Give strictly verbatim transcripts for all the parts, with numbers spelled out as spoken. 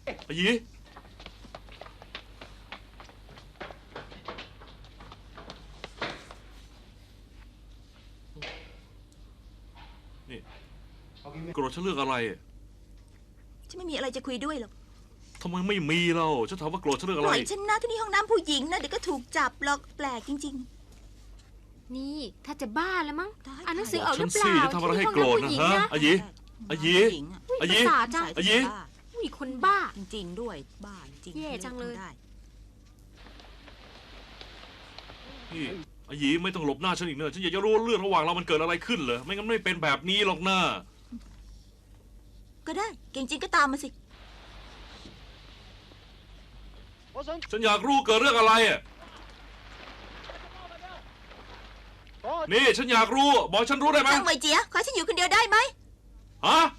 อายีนี่โกรธฉันเรื่องอะไรฉันไม่มีอะไรจะคุยด้วยหรอกทำไมไม่มีเราฉันถามว่าโกรธฉันเรื่องอะปไรล่อยฉันนะที่นี่ห้องน้ำผู้หญิงนะเดี๋ยวก็ถูกจับหรอกแปลกจริงนี่ถ้าจะบ้าแล้วมั้งได้อ่านหนังสือออกหฉัรืนอเปสิล่าจะทำอะไรให้โกรธนะฮะอายีอายีๆอายีภาษาจังอายีมีคนบ้าจริงๆด้วยบ้าจริงแย่จังเลยได้พี่อายีไม่ต้องหลบหน้าฉันอีกเนอะฉันอยากจะรู้เรื่องระหว่างเรามันเกิดอะไรขึ้นเหรอไม่งั้นไม่เป็นแบบนี้หรอกนะก็ได้เก่งจริงก็ตามมาสิฉันอยากรู้เกิดเรื่องอะไรอ่ะนี่ฉันอยากรู้บอกฉันรู้ได้ไหมช่างเหมยเจียขอฉันอยู่คนเดียวได้ไหมฮะ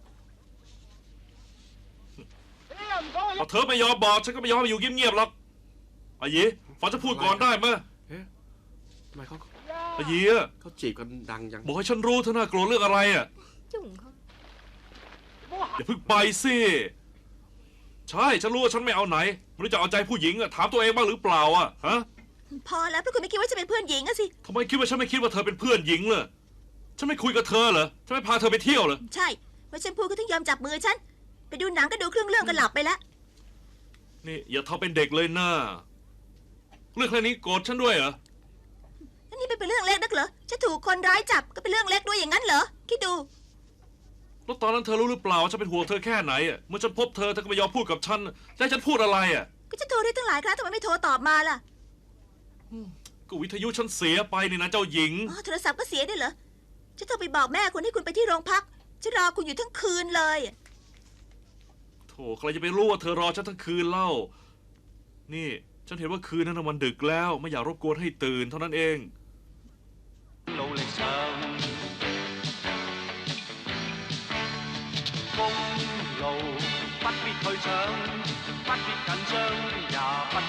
พอเธอไม่ยอมบอกฉันก็ไม่ยอมให้อยู่เงียบๆหรอกอายีฟังฉันพูดก่อนได้ไหมเอ๊ะทำไมเขาอายีเขาจีบกันดังยังบอกให้ฉันรู้เธอน่าโกรธเรื่องอะไรอ่ะจุ่งเขาอย่าเพิ่งไปสิใช่ฉันรู้ว่าฉันไม่เอาไหนไม่รู้จะเอาใจผู้หญิงอะถามตัวเองบ้างหรือเปล่าอ่ะฮะพอแล้วเพราะคุณไม่คิดว่าจะเป็นเพื่อนหญิงอะสิทำไมคิดว่าฉันไม่คิดว่าเธอเป็นเพื่อนหญิงเลยฉันไม่คุยกับเธอเหรอฉันไม่พาเธอไปเที่ยวเหรอใช่เพราะฉันพูดก็ถึงยอมจับมือฉันไปดูหนังก็ดูเครื่องเรื่องก็หลับไปแล้วนี่อย่าทำเป็นเด็กเลยนะเรื่องแค่นี้โกรธฉันด้วยเหรออันนี้เป็นเรื่องเล็กนักเหรอฉันถูกคนร้ายจับก็เป็นเรื่องเล็กด้วยอย่างนั้นเหรอคิดดูแล้วตอนนั้นเธอรู้หรือเปล่าว่าฉันเป็นห่วงเธอแค่ไหนอ่ะเมื่อฉันพบเธอเธอก็ไม่ยอมพูดกับฉันจะให้ฉันพูดอะไรอ่ะก็จะโทรได้ตั้งหลายครั้งทำไมไม่โทรตอบมาล่ะก็วิทยุฉันเสียไปนี่นะเจ้าหญิงอ๋อโทรศัพท์ก็เสียด้วยเหรอฉันโทรไปบอกแม่คุณให้คุณไปที่โรงพักฉันรอคุณอยู่ทั้งคืนเลยโถใครจะไปรู้ว่าเธอรอฉันทั้งคืนเล่านี่ฉันเห็นว่าคืนนั้นนะมันดึกแล้วไม่อยากรบกวนให้ตื่นเท่านั้นเอง努力上，公路不必去搶，不必緊張，也不。